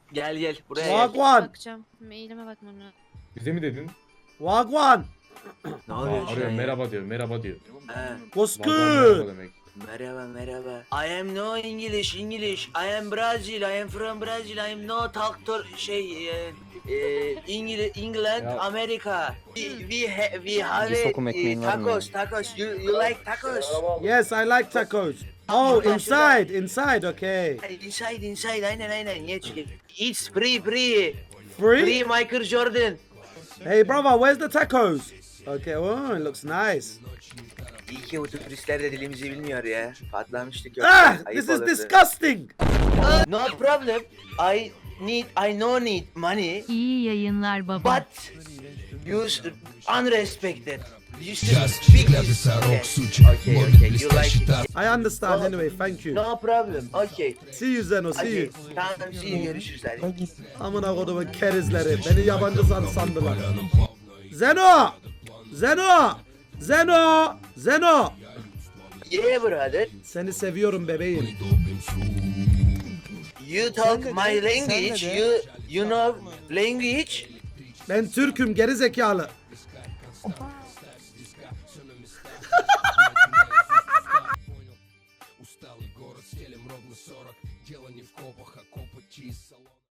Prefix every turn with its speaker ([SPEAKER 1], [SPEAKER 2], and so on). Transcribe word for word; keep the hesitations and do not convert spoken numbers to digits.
[SPEAKER 1] Gel gel buraya gel.
[SPEAKER 2] Wagwan.
[SPEAKER 3] Bakacağım. Mailime bakmam lazım.
[SPEAKER 4] Bize mi dedin?
[SPEAKER 2] Wagwan.
[SPEAKER 1] Ne
[SPEAKER 4] Aa,
[SPEAKER 1] oluyor şu
[SPEAKER 4] arıyor
[SPEAKER 1] an ya?
[SPEAKER 4] merhaba diyor merhaba diyor.
[SPEAKER 1] He.
[SPEAKER 2] What's
[SPEAKER 4] Vallahi merhaba
[SPEAKER 2] good?
[SPEAKER 4] demek.
[SPEAKER 1] Merhaba merhaba. I am no English English. I am Brazil. I am from Brazil. I am no doctor şey e, e, England, England
[SPEAKER 4] Ya.
[SPEAKER 1] America. We we, ha, we have
[SPEAKER 5] Bir
[SPEAKER 1] a,
[SPEAKER 5] sokum
[SPEAKER 1] e,
[SPEAKER 5] ekmeğin var mı
[SPEAKER 1] tacos tacos. You you like tacos?
[SPEAKER 2] Yes, I like tacos. Oh, inside, inside, okay.
[SPEAKER 1] Inside inside aynen aynen. Geç geç. It's free free.
[SPEAKER 2] Free?
[SPEAKER 1] Free Michael Jordan.
[SPEAKER 2] Hey, brother, where's the tacos? Okay, oh, it looks nice.
[SPEAKER 1] İyi ki bu turistler de dilimizi bilmiyor ya. Patlamıştık yok.
[SPEAKER 2] Ah,
[SPEAKER 1] Ayıp
[SPEAKER 2] this is
[SPEAKER 1] olurdu.
[SPEAKER 2] disgusting.
[SPEAKER 1] No problem. I need I no need money.
[SPEAKER 6] İyi yayınlar baba.
[SPEAKER 1] But you s- unrespected. You
[SPEAKER 7] Just
[SPEAKER 1] speak
[SPEAKER 7] для
[SPEAKER 1] this.
[SPEAKER 7] писарок
[SPEAKER 1] Okay,
[SPEAKER 7] сучек,
[SPEAKER 1] okay,
[SPEAKER 7] моды
[SPEAKER 1] okay. You
[SPEAKER 7] блестящий
[SPEAKER 1] like it.
[SPEAKER 2] I understand anyway, thank you.
[SPEAKER 1] No problem. Okay.
[SPEAKER 2] See you Zeno, see
[SPEAKER 1] Okay.
[SPEAKER 2] you.
[SPEAKER 1] Tamam, see you. Görüşürüz hadi.
[SPEAKER 2] Amına kodumun kerizleri, beni yabancı san sandılar. Zeno! Zeno! Zeno! Zeno!
[SPEAKER 1] Yeah brother.
[SPEAKER 2] Seni seviyorum bebeğim.
[SPEAKER 1] You talk my language. You you know language.
[SPEAKER 2] Ben Türk'üm geri zekalı.